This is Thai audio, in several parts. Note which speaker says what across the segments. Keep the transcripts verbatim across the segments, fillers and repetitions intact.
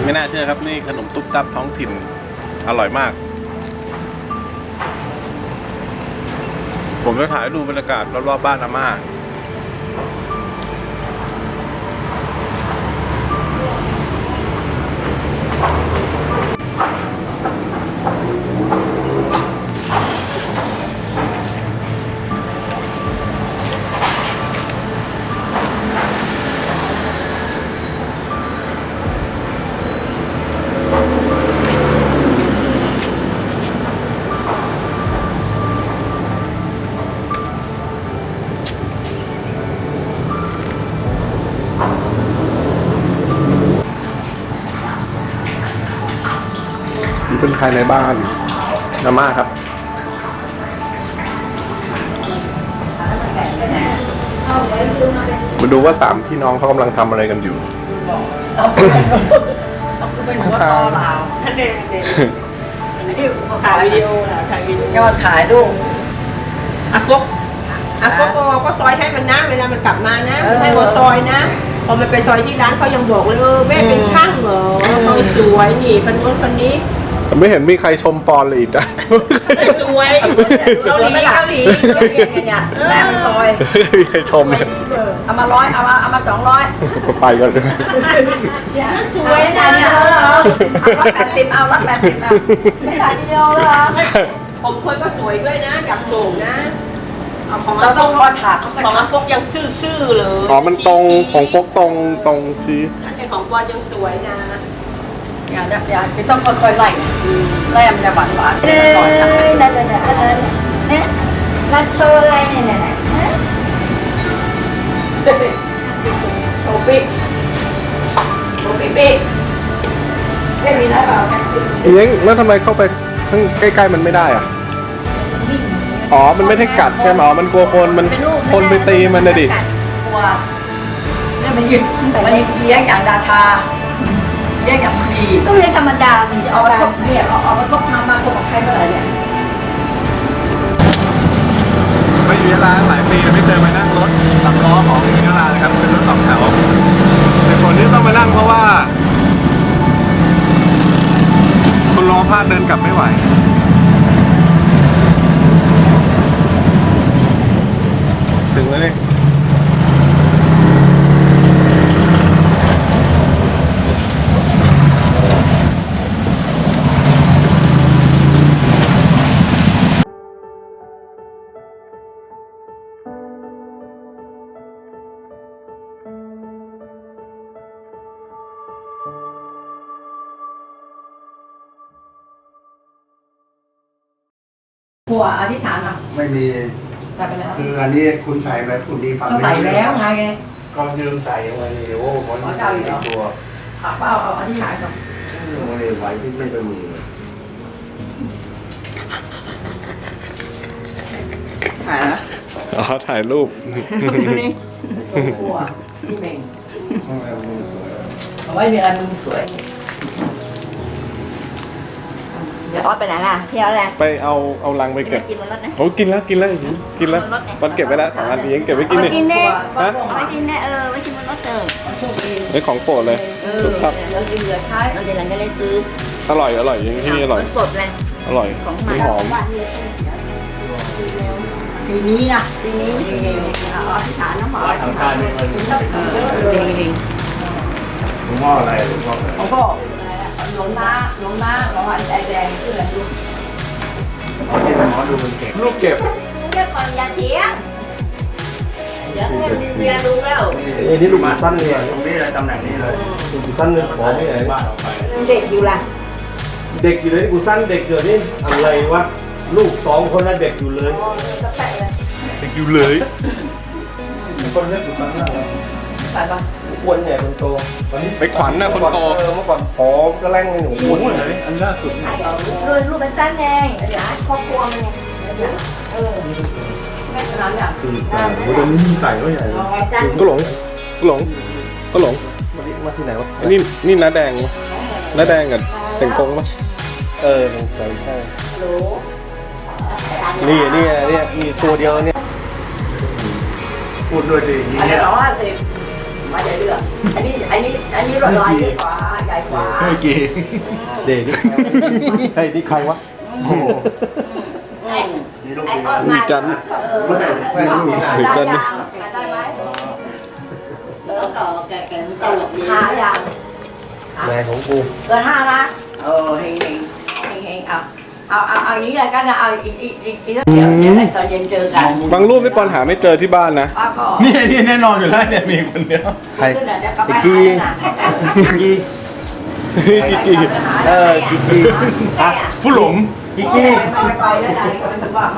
Speaker 1: ไม่น่าเชื่อครับนี่ขนมตุ๊บตับท้องถิ่นอร่อยมากผมจะถ่ายดูบรรยากาศรอบๆบ้านอาม่าเป็นภายในบ้านอาม่าครับมาดูว่าสามพี่น้องเขากำลังทำอะไรกันอยู่
Speaker 2: เป็นหัวตอเหล่าท่านเด็กนี่ถ่ายวิดีโอถ่ายวิดีโอยอดถ่ายรูปอาฟกอาฟกก็ซอยให้มันนะเวลามันกลับมานะให้หัวซอยนะพอมันไปซอยที่ร้านเขายังบอกเลยเออแม่เป็นช่างเหรอซอยสวยนี่พันนู้นพันนี้
Speaker 1: แต่ไม่เห็นมีใครชมปอนเลยอีกนะ
Speaker 2: สวยเกาหลีเกาหลีเนี่ยแม่มันซอย
Speaker 1: มีใครชมเลย
Speaker 2: เอามาร้อยเอามาเอามาสองร้อย
Speaker 1: ไปก่อนเลย
Speaker 2: สวยนะเนี่ยร้อยแปดสิบเอาร้อยแปดสิบเอาไม่ถ่ายวิดีโอเหรอผมคนก็สวยด้วยนะจับส่งนะของเราต้องรอถาดของอาฟกยังซื่อๆเลย
Speaker 1: อ๋อมันตรงของฟกตรงตรงชี้
Speaker 2: อันนี้ของปอนยังสวยนะอย่าอย่าจะต้องค่อยๆไล่ไล่มันจะหวานหวานเออนั่นนั่นนั่นเนี่ยนัดโชว์อะไรเนี่ยเนี่ยโชว์ปิ๊กโชว์ปิ๊กปิ๊กไม่มีแล้วเปล่า
Speaker 1: เอ้ยแล้วทำไมเข้าไปข้างใกล้ๆมันไม่ได้อ่ะอ๋อมันไม่ได้กัดใช่ไหมอ๋อมันกลัวคนมันคนไปตีมันนะดิ
Speaker 2: กลัวนี่มันยืนมันยืนเลี้ยงอย่างราชาเรียกอย่างฟรี
Speaker 3: ก็เรียกธรรมดามี
Speaker 2: เอามาครบเนี่ยเอาเอามาครบทำมาครบกับใครเมื่อไหร่เนี่ย
Speaker 1: ไม่อยู่ยะลาหลายปีไม่เคยมานั่งรถสามล้อของยะลาเลยครับเป็นรถสองแถวแต่คนที่ต้องมานั่งเพราะว่าคนรอพลาดเดินกลับไม่ไหวถึงแล้วนี่
Speaker 2: หัวอธิษฐานอ่ะ
Speaker 4: ไม่มี
Speaker 2: ใส่ไปแล้ว
Speaker 4: คืออันนี้คุณใส่ไปคุณดีฟัง
Speaker 2: ก็ใส่แล้วไงไง
Speaker 4: ก็ยืมใส่ไว้โอ้คนนี้ตัว
Speaker 2: เอาเปล่าเอาอธิษฐานก่อน
Speaker 4: ไม่ได้ไหวที่ไม่ต้องมีถ่ายนะ
Speaker 1: อ๋อถ่ายรูป
Speaker 2: หัวพี่เม่งเอาไว้มีอะไรมุมสวย
Speaker 3: เดี๋ยวออสไปไหนล่ะเที่ยวอะไร
Speaker 1: ไปเอาเอาลังไปเก็บ
Speaker 3: กินบนรถนะ
Speaker 1: โอ้กินแล้วกินแล้วกินแล้วมันเก็บไว้แล้วอันนี้ยังเก็บไว้กินเลย
Speaker 3: กินแน่
Speaker 1: ฮะ
Speaker 3: ไม่กินแน่เออไม่กินบนรถเติม
Speaker 1: ไอ้ของโปรดเลย
Speaker 3: ครับเราเดือดท้ายเราเดี๋ยวหลังจะได้ซื้อ
Speaker 1: อร่อยอร่อยอย่างที่นี่อร่อย
Speaker 3: สดเลย
Speaker 1: อร่อย
Speaker 3: ของใหม่
Speaker 1: หอม
Speaker 2: ปีนี้นะ
Speaker 3: ปีนี้
Speaker 2: เอาอธิษฐานน้ำหอมอธิษฐาน
Speaker 4: หลวงพ่ออะไรหลวงพ่อ
Speaker 2: หลวงพ่อหลวงน้าหลวงน้าหลวงพ่อใจแดงชื่ออะไรลูก
Speaker 4: เอาที่หมอดูมันเก็บ
Speaker 1: ลูกเก็บ
Speaker 2: เรียกก่อนอย่าเถียงเดี๋ยวเมียดูแล้ว
Speaker 4: นี่นี่ลูกสั้นเลยตรงนี้เลยตำแหน่งนี้เลย
Speaker 1: ลูกสั้นเลยขอไม่ไหนบ้านออกไป
Speaker 3: เด็กอยู่ล่ะ
Speaker 1: เด็กอยู่เลยกูสั้นเด็กเกิดนี่อะไรวะลูกสองคนน่ะเด็กอยู่เลยเด็กอยู่เลย
Speaker 4: คนเล็กกูสั้นมากเลย
Speaker 2: ใส่ปะ
Speaker 4: อ้วนใหญ่คนโต
Speaker 1: ไปขวัญนะคนโต
Speaker 4: เมื่อก่อนผอมก็แรงหนูอ้วนเลย
Speaker 1: อันล่าสุด
Speaker 3: รูปรูปเป็นสั้นไงเดี๋ยวครอบครัวมันไงเออ
Speaker 2: แม่ขนาดเนี่ย
Speaker 1: โอ้โหนี่ใส่ก็ใหญ่ก็หลงก็หลงก็หลง
Speaker 4: มาที่ไหนวะ
Speaker 1: นี่นี่น้าแดงน้าแดงกับเสงกงปะ
Speaker 4: เออใช่ใช่นี่นี่นี่มีตัวเดียวเนี่ยพูดด้วยดี
Speaker 2: อันนี้ร้อยห้าสิบมาจะเลือกอันนี้อันนี้อันนี้รถลายใหญ่กว่าใหญ่กว่า
Speaker 4: เมื่อกี้เด็กเฮ้ยนี่ใครวะโอ้โห
Speaker 2: ไอ้ต้นไม้
Speaker 1: จัน
Speaker 4: แม่ลูก
Speaker 1: หรือจันนี่
Speaker 2: ได้ไหม
Speaker 3: แล้วก็แกแกมันตลกดี
Speaker 2: ห้าอย่าง
Speaker 4: แม่ของกู
Speaker 2: เกินห้านะเออเฮงเฮงเฮงเฮงเอาเอาเอาเอาอย่างนี้เลยกันนะเอาอีกอีกอีกอีกเดี๋ยวเดี๋ยวตอนเย็นเจอกัน
Speaker 1: บางรูปที่ปอนหาไม่เจอที่บ้านนะ
Speaker 2: ป้าก็
Speaker 5: นี่นี่แน่นอนอยู่แล้วเนี่ยมีคนเดียว
Speaker 4: ใคร
Speaker 2: ขึ้นเดี๋ยวกลับไป
Speaker 4: กี
Speaker 2: หา
Speaker 4: กี
Speaker 1: กิกกี้
Speaker 4: เออกีกีอ่ะ
Speaker 5: ผู้หลง
Speaker 4: กีกี
Speaker 2: ไม่ไปแล้วไหนมันจะว่ามา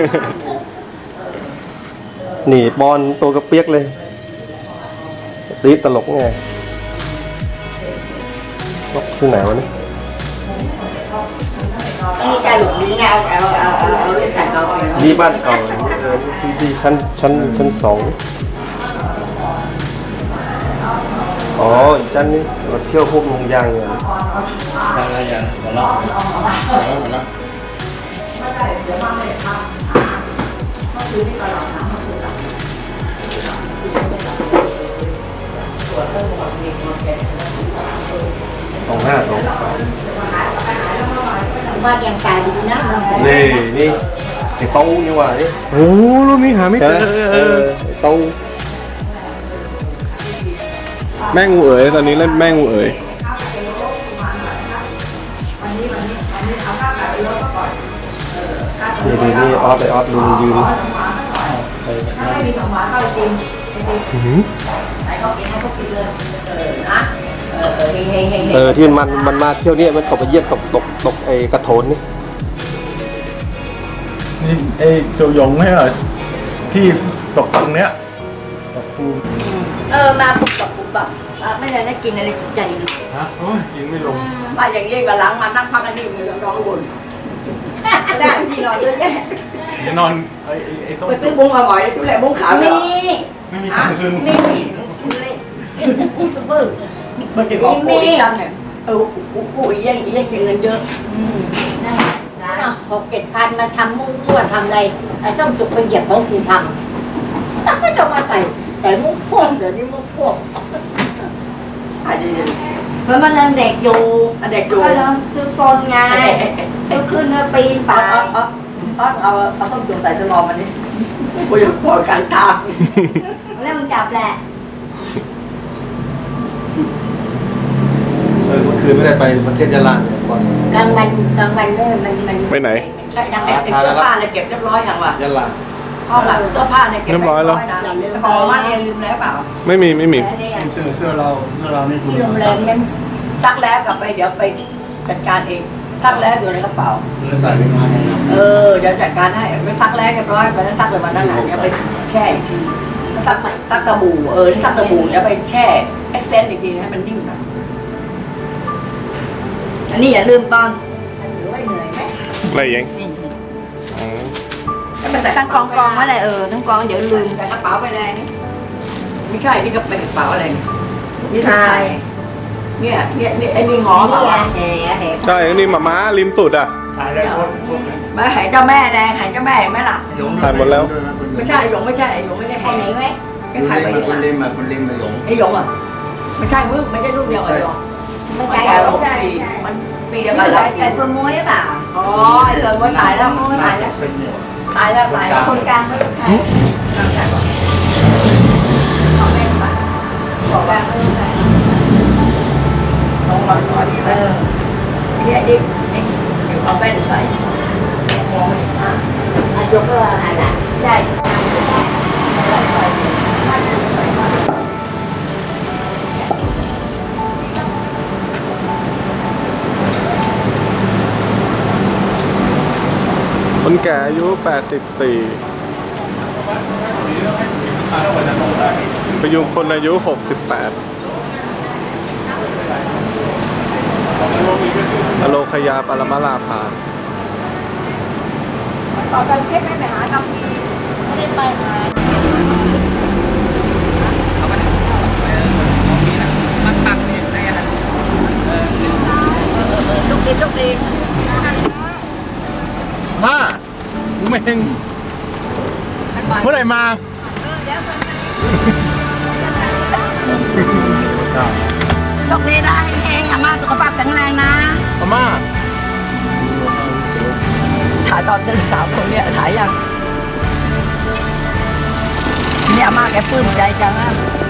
Speaker 4: หนีบอลตัวกระเปียกเลยตีตลกไงลกที่ไหนวะเนี่ย
Speaker 2: อันนี้จะหลุดนี้ไงเอาเอาเอาเอาเอาเรื่องแต่เราเอา
Speaker 4: นี่บ้านเก่าเออที่ที่ชั้นชั้นชั้นสองอ๋ออีกชั้นนี้เราเที่ยวพวกลุงยางเนี่ย
Speaker 5: อะไรอย่างหัวเราะหัวเราะ
Speaker 4: สองห้าสองสาม
Speaker 3: ว่ายังตายดีนะ
Speaker 4: นี่นี่ไอ้เต้านี่หว่านี่
Speaker 1: โอ้รูปนี้หาไม่
Speaker 4: ใช่
Speaker 1: เจ
Speaker 4: ไหม
Speaker 1: อ
Speaker 4: เออไอ้เต้า
Speaker 1: แม่งูเอ๋ยตอนนี้เล่นแม่งูเอ๋ย
Speaker 4: นี่ดีนี่ออฟไอออฟลุงยืน
Speaker 1: อื้อหือ
Speaker 2: นะเออเออเฮงเฮงเฮง
Speaker 4: เออที่มันมันมาเที่ยวเนี่ยมันตกไปเยี่ยมตกตกตกไอ้กระโถนนี่
Speaker 5: นี่ไอ้โจยงไม่เหรอที่ตกตรงเนี้ยตกคู
Speaker 3: เออมาปุ๊บปับปุ๊บปับอ่ะไม่ได้ได้กินอะไรจุใจดี
Speaker 5: ฮะโอ้ยยิงไม่ลง
Speaker 2: มาอย่างนี้กับหลังมานั่งพักกันนี่มือร้องบน
Speaker 3: ได้ทีนอนเยอะแยะ
Speaker 5: เดี๋ยวนอนไอ้ไอ้ไอ้ต้น
Speaker 2: ไปซื้อบุ้งมาหมอยทุเรศบุ้งขาวเนี่
Speaker 3: มี
Speaker 2: ย
Speaker 5: ไม่มีตังค์ซื้อ
Speaker 3: มีเล่นซุปเปอร์
Speaker 2: มันจะของกูอีกจันเนี่ยเออกูกูอีกยังอีกยังเงินเยอะ
Speaker 3: นั่นร้านหกเจ็ดพันมาทำมุ้งล้วนทำอะไรไอ้ต้องจุกไปเหยียบของกูทำแล้วก็จะมาใส่แต่มุ้งพวกเดี๋ยวนี้มุ้งพวก
Speaker 2: อันนี้
Speaker 3: เพราะมันยังเด็กอยู่
Speaker 2: อันเด็กอยู่
Speaker 3: ก็ยังซื้อโซนไงก็ขึ้นก็ปีนไป
Speaker 2: เอาเอาเอาเอาเอาต้องจุ่มใส่จะรอมันนี่กูจะปล่อยกลางทาง
Speaker 3: แล้วมันจับแหละ
Speaker 4: เออเมื่อคืนไม่ได้ไปประเทศยะลาเนี่ยก่อน
Speaker 3: กลางวันกลางวันเนี่ยมันมัน
Speaker 1: ไปไหน
Speaker 2: ยังไงเสื้อผ้าอะไรเก็บเรียบร้อยยังวะ
Speaker 4: ยะลา
Speaker 2: ห้องแบบเสื้อผ้าเนี่ยเก็บของมาเนี่ยลืมแล้วเปล่า
Speaker 1: ไม่มีไม่มี
Speaker 5: เสื้อเสื้อเราเสื้อเรานี่ถูก
Speaker 3: ที่โรงแรมนั้น
Speaker 2: ซักแล้วกลับไปเดี๋ยวไปจัดการเองซักแล้วอยู่ในกระเป๋า
Speaker 5: เสื้อใส่ไปงานเนี่ยนะ
Speaker 2: เออเดี๋ยวจัดการให้ไม่ซักแล้วเรียบร้อยไปนั้นซักเลยวันนั้นเดี๋ยวไปแช่อีกทีซักใหม่ซักสบู่เออซักสบู่เดี๋ยวไปแช่เอ็กเซนต์อีกทีให้มันนิ่มหน่อย
Speaker 3: อันนี้อย่าลืมตอน
Speaker 2: ถือว่าเหนื่อยไหม
Speaker 1: อะไรยังอ๋อ
Speaker 3: ตั้งกองกองไว้เลยเออตั้งกองเดี๋ยวลืม
Speaker 2: แต่กระเป๋าไปแรงนี่ไม่ใช่นี่ก็เป็นกระเป๋าอะไรนี่
Speaker 3: ใช่
Speaker 2: เนี่ยเนี่ยเนี่ยไอ้นี่หอม
Speaker 3: นี่
Speaker 2: เปล่า
Speaker 3: ไงแห่แห่
Speaker 1: ใช่อันนี่หมาม้าริมสุดอ่ะ
Speaker 5: ถ่ายได้คนคนไหน
Speaker 2: มาหายเจ้าแม่แรงหายเจ้าแม่เห็นไหมล่ะ
Speaker 1: ถ่ายหมดแล้ว
Speaker 2: ไม่ใช่ไอ้หยงไม่ใช่ไอ้หยงไม่ได้
Speaker 3: ใคร
Speaker 2: หาย
Speaker 3: ไหนไหม
Speaker 2: ก็ขายไปเยอะ
Speaker 5: คนเล่นมาคนเล่นมาหลง
Speaker 2: ไอ้หยงอ่ะไม่ใช่มึงไม่ใช่รุ่นเดียวกับไอ้หยง
Speaker 3: ไม่
Speaker 2: มัน
Speaker 3: ใช่
Speaker 2: แก่ลง
Speaker 3: ใช่
Speaker 2: ปี
Speaker 3: ใช่
Speaker 2: มันปีเดียว
Speaker 3: ใส่
Speaker 2: กันแล้ว
Speaker 3: ใส่ส่วนมวยหรือเปล่า
Speaker 2: อ๋อไอ้เสริมว่าตายแล้วตายแล้วตายแล้วตายแล้ว
Speaker 3: คนกลางไม่ใช่
Speaker 2: กลางใจก่อนเอาแม่ใส่บอกว่า ลงมาหน่อยนี่
Speaker 3: เอ
Speaker 2: มัน
Speaker 3: อ
Speaker 2: นี่ไอ้นี่ไอ้เดี๋ยวเอาแว่นใส่มองไม่เห็นหน้า
Speaker 3: อายุก็อะไรใช่
Speaker 1: คนแก่อายุแปดสิบสี่พยุงคนอายุหกสิบแปดอโลคยาปรมาลาภา
Speaker 2: ต่อกันเทปไม่ไปหาทำที
Speaker 3: ไม่ได้ไปมา
Speaker 2: โชคดีโชคดี
Speaker 5: ห้ากูเม่งเมื่อไหร่มา
Speaker 3: เออเดี๋ยวคน
Speaker 5: โ
Speaker 6: โชคดีนะเองอาม่าสุขภาพแข็งแรงนะ
Speaker 5: อาม่า
Speaker 6: ถ่ายตอนเจอสาวคนเนี้ยถ่ายยังเนี่ยอาม่าแกปลื้มใจจังนะ